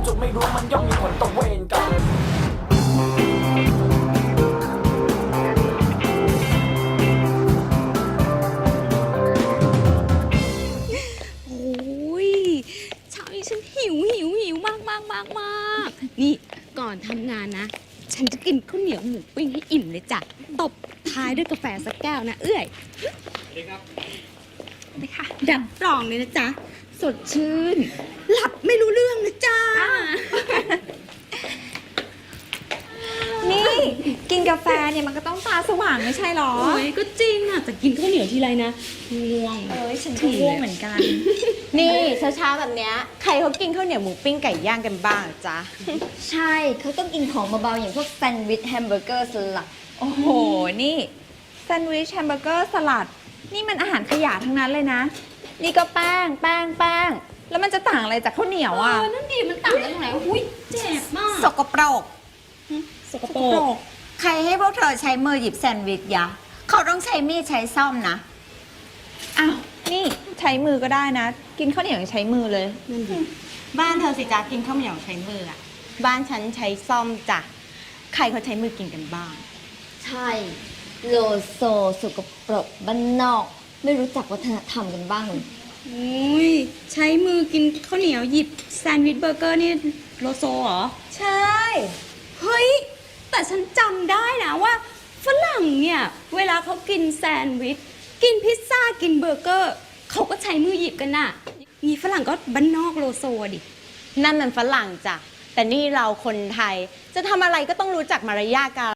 ำจนไม่รู้มันย่อมมีผลต่อเวรกรรมโอ้ยเช้านี้ฉันหิวมากนี่ก่อนทำงานนะฉันจะกินข้าวเหนียวหมูปิ้งให้อิ่มเลยจ้ะตบท้ายด้วยกาแฟสักแก้วนะเอื้อยสวัสดีครับไปค่ะดับรองเลยนะจ๊ะสดชื่นหลับไม่รู้เรื่องนะจ๊ะนี่กินกาแฟเนี่ยมันก็ต้องตาสว่างไม่ใช่หรอโอ้ยก็จริงอ่ะแต่กินข้าวเหนียวทีไรนะง่วงฉันก็ง่วงเหมือนกัน นี่เช้าๆแบบเนี้ยใครเขากินข้าวเหนียวหมูปิ้งไก่ย่างกันบ้างจ๊ะใช่เขาต้องกินของเบาๆอย่างพวกแซนด์วิชแฮมเบอร์เกอร์สลัดโอ้โห นี่แซนด์วิชแฮมเบอร์เกอร์สลัด นี่มันอาหารขยะทั้งนั้นเลยนะ นี่ก็แป้ง แล้วมันจะต่างอะไรจากข้าวเหนียวอ่ะนั่นดีมันต่างกันตรงไหนอุ้ยเจ็บมากสกปรกสกปรกใครให้พวกเธอใช้มือหยิบแซนด์วิชยะ เขาต้องใช้มีดใช้ซ่อมนะอ้าว นี่ใช้มือก็ได้นะ กินข้าวเหนียวยังใช้มือเลยนั่นดีบ้านเธอสิจ้ากินข้าวเหนียวใช้มืออะบ้านฉันใช้ซ่อมจ้ะ ใครเขาใช้มือกินกันบ้างใช่ โลโซสกปรกบ้านนอก ไม่รู้จักวัฒนธรรมกันบ้างเลยอุ้ยใช้มือกินข้าวเหนียวหยิบแซนด์วิชเบอร์เกอร์นี่โลโซเหรอใช่เฮ้ย แต่ฉันจำได้นะว่าฝรั่งเนี่ย เวลาเขากินแซนด์วิช กินพิซซ่า กินเบอร์เกอร์ เขาก็ใช้มือหยิบกันน่ะนี่ฝรั่งก็บ้านนอกโลโซดินั่นมันฝรั่งจ้ะ แต่นี่เราคนไทย จะทำอะไรก็ต้องรู้จักมารยาทกัน